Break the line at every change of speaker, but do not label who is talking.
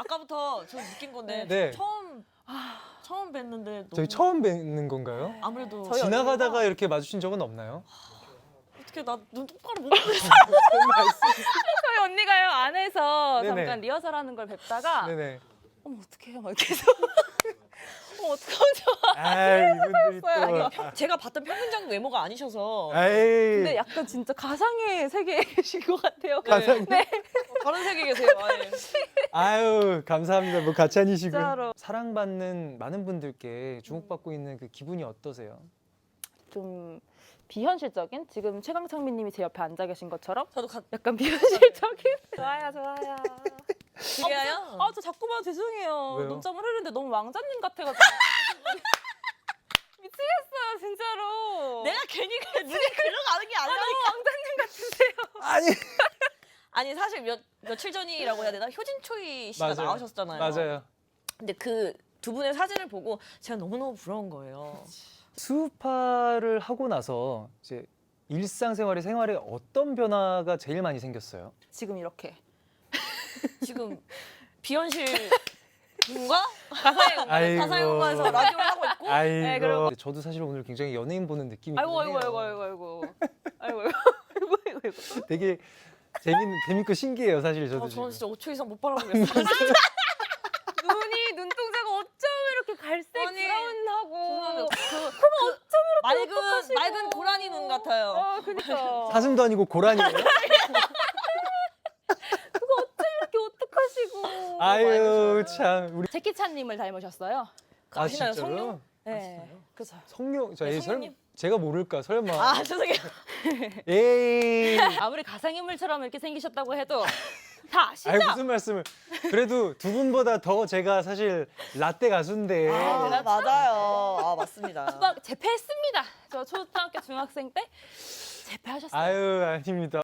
아까부터 저 느낀 건데
네.
처음 뵀는데
저희 처음 뵙는 건가요?
아무래도
저희
지나가다가 이렇게 마주친 적은 없나요?
어떻게 나 눈 똑바로 못 보겠어.
저희 언니가요 안에서
네네.
잠깐 리허설하는 걸 뵙다가
네네.
어머 어떡해요 막 이렇게 해서 어떡하죠?
아 이분들이 또.
제가 봤던 평균적 외모가 아니셔서
아이.
근데 약간 진짜 가상의 세계에 계신 것 같아요.
가상.
네.
다른 세계에 계세요. 아예.
아유 감사합니다. 뭐 같이 아니시고요.
진짜로.
사랑받는 많은 분들께 주목받고 있는 그 기분이 어떠세요?
좀 비현실적인 지금 최강창민님이 제 옆에 앉아 계신 것처럼
저도
약간 비현실적인 좋아요 좋아요.
기계예요.
저 자꾸만 죄송해요.
왜요?
눈점을 흐르는데 너무 왕자님 같아가지고 미치겠어요 진짜로.
내가 괜히 눈이 글러가는 게 아니라.
너무 왕자님 같으세요.
아니.
아니 사실 며칠 전이라고 해야 되나 효진초이 씨가
맞아요.
나오셨잖아요.
맞아요.
근데 그 두 분의 사진을 보고 제가 너무너무 부러운 거예요.
수우파를 하고 나서 이제 일상생활에 생활에 어떤 변화가 제일 많이 생겼어요?
지금 이렇게
지금 비현실 분과
아이고.
가상의 공간에서 라디오를 하고 있고
아이고.
네, 그리고-
저도 사실 오늘 굉장히 연예인 보는 느낌이
아이고
있네요.
아이고
되게 재밌고 신기해요, 사실 저도 지금.
저는 진짜 5초 이상 못 바라보겠어요.
눈이 눈동자가 어쩜 이렇게 갈색
아니,
브라운하고
맑은 고라니 눈 같아요.
그니까
사슴도 아니고 고라니예요?
이렇게 어떡하시고
아유 참 우리
제키찬님을 닮으셨어요.
아시나요,
진짜로요?
성룡?
네, 그죠.
성룡
네,
에이,
성룡님.
제가 모를까 설마.
아 죄송해요.
에이.
아무리 가상인물처럼 이렇게 생기셨다고 해도 다 아시죠?
아이 무슨 말씀을. 그래도 두 분보다 더 제가 사실 라떼 가수인데.
맞아요. 아 맞습니다.
수박 재패했습니다. 저 초등학교 중학생 때 재패하셨어요.
아유 아닙니다.